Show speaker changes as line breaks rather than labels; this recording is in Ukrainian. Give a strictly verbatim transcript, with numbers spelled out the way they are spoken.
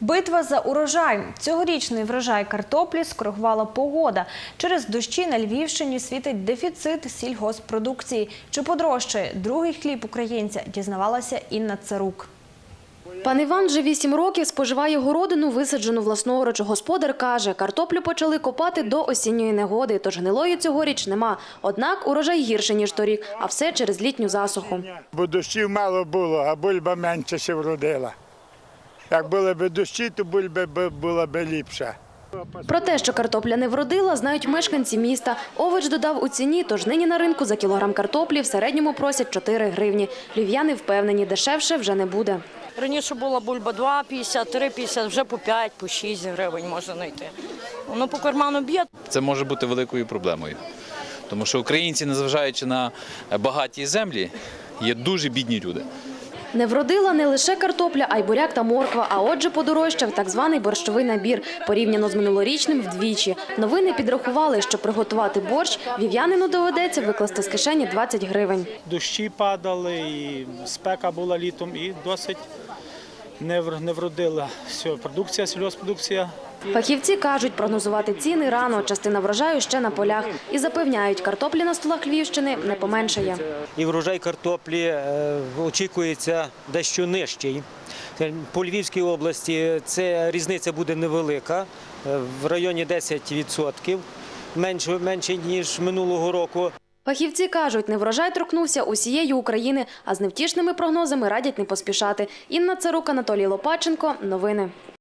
Битва за урожай. Цьогорічний врожай картоплі скоригувала погода. Через дощі на Львівщині світить дефіцит сільгосппродукції. Чи подорожчає другий хліб українця, дізнавалася Інна Царук.
Пан Іван вже вісім років споживає городину, висаджену власноруч. Господар каже, картоплю почали копати до осінньої негоди, тож гнилої цьогоріч нема. Однак урожай гірше, ніж торік, а все через літню засуху.
Бо дощів мало було, а бульба менше ще вродила. Як були б дощі, то бульба була б ліпша.
Про те, що картопля не вродила, знають мешканці міста. Овоч додав у ціні, тож нині на ринку за кілограм картоплі в середньому просять чотири гривні. Львів'яни впевнені, дешевше вже не буде.
Раніше була бульба два п'ятдесят, три п'ятдесят, вже по п'ять, по шість гривень можна знайти. Воно по карману б'є.
Це може бути великою проблемою, тому що українці, незважаючи на багаті землі, є дуже бідні люди.
Не вродила не лише картопля, а й буряк та морква, а отже подорожчав так званий борщовий набір, порівняно з минулорічним вдвічі. Новини підрахували, що приготувати борщ львів'янину доведеться викласти з кишені двадцять гривень.
Дощі падали, і спека була літом, і досить не вродила продукція, сільгосппродукція.
Фахівці кажуть, прогнозувати ціни рано, частина врожаю ще на полях. І запевняють, картоплі на столах Львівщини не поменшає.
І врожай картоплі очікується дещо нижчий. По Львівській області це різниця буде невелика, в районі десять відсотків, менше, менше ніж минулого року.
Фахівці кажуть, неврожай торкнувся усієї України, а з невтішними прогнозами радять не поспішати. Інна Царук, Анатолій Лопаченко. Новини.